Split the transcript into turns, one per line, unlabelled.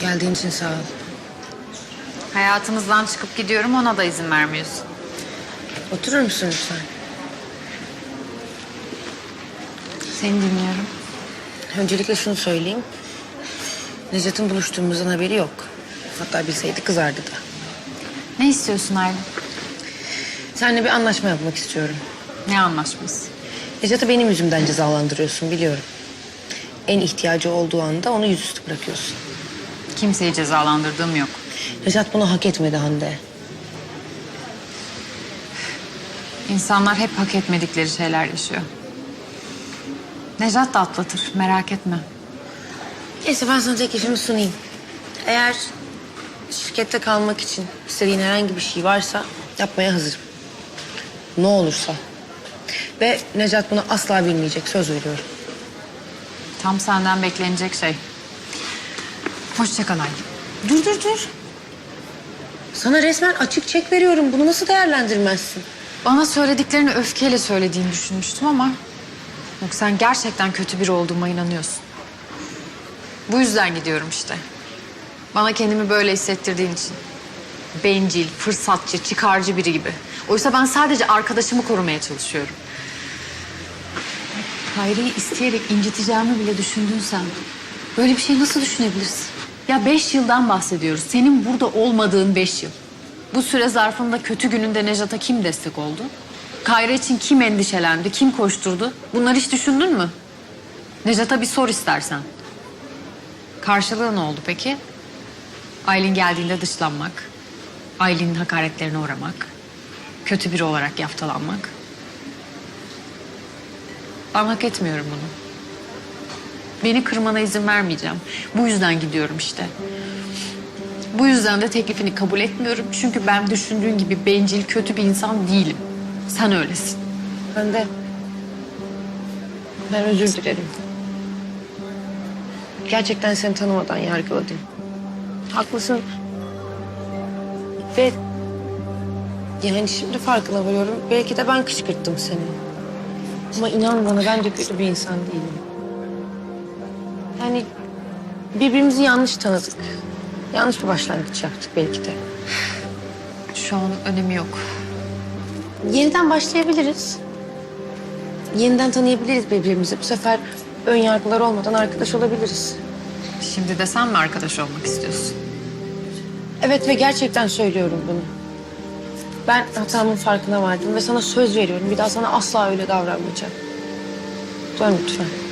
Geldiğin için sağ ol.
Hayatımızdan çıkıp gidiyorum, ona da izin vermiyorsun.
Oturur musun lütfen?
Seni dinliyorum.
Öncelikle şunu söyleyeyim. Necat'ın buluştuğumuzdan haberi yok. Hatta bilseydi kızardı da.
Ne istiyorsun Aylin?
Seninle bir anlaşma yapmak istiyorum.
Ne anlaşması?
Necat'ı benim yüzümden cezalandırıyorsun biliyorum. En ihtiyacı olduğu anda onu yüzüstü bırakıyorsun.
Kimseyi cezalandırdığım yok.
Necat bunu hak etmedi Hande.
İnsanlar hep hak etmedikleri şeyler yaşıyor. Necat da atlatır, merak etme.
Neyse ben sana teklifimi sunayım. Eğer şirkette kalmak için istediğin herhangi bir şey varsa yapmaya hazırım. Ne olursa. Ve Necat bunu asla bilmeyecek, söz veriyorum.
Tam senden beklenecek şey. Hoşça kal Aylin.
Dur. Sana resmen açık çek veriyorum. Bunu nasıl değerlendirmezsin?
Bana söylediklerini öfkeyle söylediğini düşünmüştüm ama... Yok, sen gerçekten kötü biri olduğuma inanıyorsun. Bu yüzden gidiyorum işte. Bana kendimi böyle hissettirdiğin için. Bencil, fırsatçı, çıkarcı biri gibi. Oysa ben sadece arkadaşımı korumaya çalışıyorum. Hayri'yi isteyerek inciteceğimi bile düşündün sen. Böyle bir şey nasıl düşünebilirsin? Ya 5 yıldan bahsediyoruz. Senin burada olmadığın 5 yıl. Bu süre zarfında kötü gününde Nejat'a kim destek oldu? Kayra için kim endişelendi, kim koşturdu? Bunları hiç düşündün mü? Nejat'a bir sor istersen. Karşılığı ne oldu peki? Aylin geldiğinde dışlanmak, Aylin'in hakaretlerine uğramak, kötü biri olarak yaftalanmak. Ben hak etmiyorum bunu. Beni kırmana izin vermeyeceğim. Bu yüzden gidiyorum işte. Bu yüzden de teklifini kabul etmiyorum. Çünkü ben düşündüğün gibi bencil, kötü bir insan değilim. Sen öylesin.
Hande. Ben özür dilerim. Gerçekten seni tanımadan yargıladım. Haklısın. Ve yani şimdi farkına varıyorum. Belki de ben kışkırttım seni. Ama inan bana ben de kötü bir insan değilim. Yani birbirimizi yanlış tanıdık. Yanlış bir başlangıç yaptık belki de.
Şu an önemi yok.
Yeniden başlayabiliriz. Yeniden tanıyabiliriz birbirimizi. Bu sefer ön yargılar olmadan arkadaş olabiliriz.
Şimdi de sen mi arkadaş olmak istiyorsun?
Evet ve gerçekten söylüyorum bunu. Ben hatamın farkına vardım ve sana söz veriyorum. Bir daha sana asla öyle davranmayacağım. Dön lütfen.